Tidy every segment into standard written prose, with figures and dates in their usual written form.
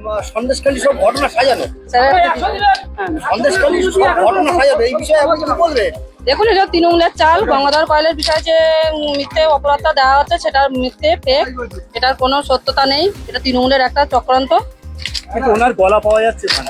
সন্দেশখালী সব ঘটনা সাজানো, সন্দেশখালী সব ঘটনা সাজানো, এই বিষয়ে আপনি কি বলবেন? দেখুন, এটা তৃণমূলের চাল। গঙ্গাধর কয়েলের বিষয়ে যে মিথ্যে অপরাধটা দেওয়া হচ্ছে সেটা মিথ্যে, ফেক, এটার কোনো সত্যতা নেই। এটা তৃণমূলের একটা চক্রান্ত। কিন্তু ওনার গলা পাওয়া যাচ্ছে না।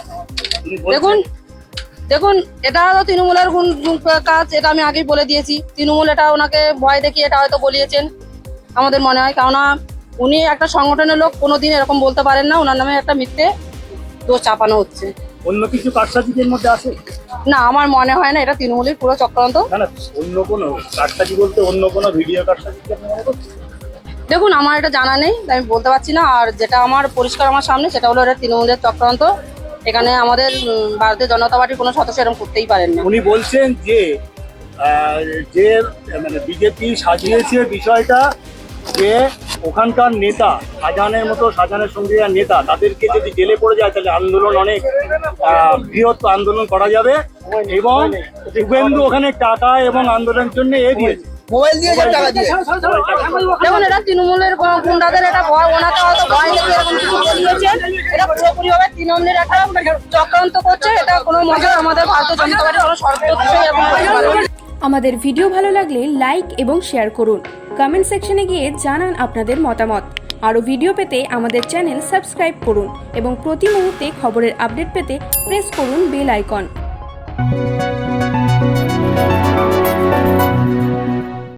দেখুন, এটা তো তৃণমূলের কাজ, এটা আমি আগেই বলে দিয়েছি। তৃণমূল এটা ওনাকে ভয় দেখিয়ে এটা হয়তো বলিয়েছেন আমাদের মনে হয়, কেননা উনি একটা সংগঠনের লোক, কোনোদিন এরকম বলতে পারেন না। ওনার নামে একটা মিথ্যে দোষ চাপানো হচ্ছে। অন্য কিছু কারসাজিদের মধ্যে আছে না, আমার মনে হয় না এটা তৃণমূলের পুরো চক্রান্ত। না, অন্য কোনো কারসাজি বলতে অন্য কোনো ভিডিও কারসাজি কি আপনি মনে করছেন? দেখুন, আমার এটা জানা নেই, আমি বলতে পারছি না। আর যেটা আমার পরিষ্কার আমার সামনে, সেটা হলো এটা তৃণমূলের চক্রান্ত। এখানে আমাদের ভারতীয় জনতা পার্টির কোনো সদস্য এরকম করতেই পারেন না। উনি বলছেন যে যে মানে বিজেপি সাজিয়েছে বিষয়টা, যে ওখানকার নেতা শাহজাহানের মতো, শাহজাহানের সঙ্গে নেতা, তাদেরকে যদি জেলে পড়ে যায় তাহলে আন্দোলন অনেক বৃহৎ আন্দোলন করা যাবে। এবং শুভেন্দু ওখানে টাকা এবং আন্দোলনের জন্য দিয়েছে, মোবাইল দিয়েছে, টাকা দিয়ে। দেখুন, এটা তৃণমূলের গুন্ডাদের এটা ভয়, ওনাকে হয়তো ভয় দেখে এরকম কিছু বলিয়েছেন। এটা পুরোপুরি ভাবে তৃণমূলের একটা চক্রান্ত করছে। এটা কোনো মজা আমাদের ভারতীয় জনতা পার্টির কোনো সর্বোচ্চ এরকম করতে পারে না। আমাদের ভিডিও ভালো লাগলে লাইক এবং শেয়ার করুন। কমেন্ট সেকশনে গিয়ে জানান আপনাদের মতামত। আরও ভিডিও পেতে আমাদের চ্যানেল সাবস্ক্রাইব করুন এবং প্রতি মুহূর্তে খবরের আপডেট পেতে প্রেস করুন বেল আইকন।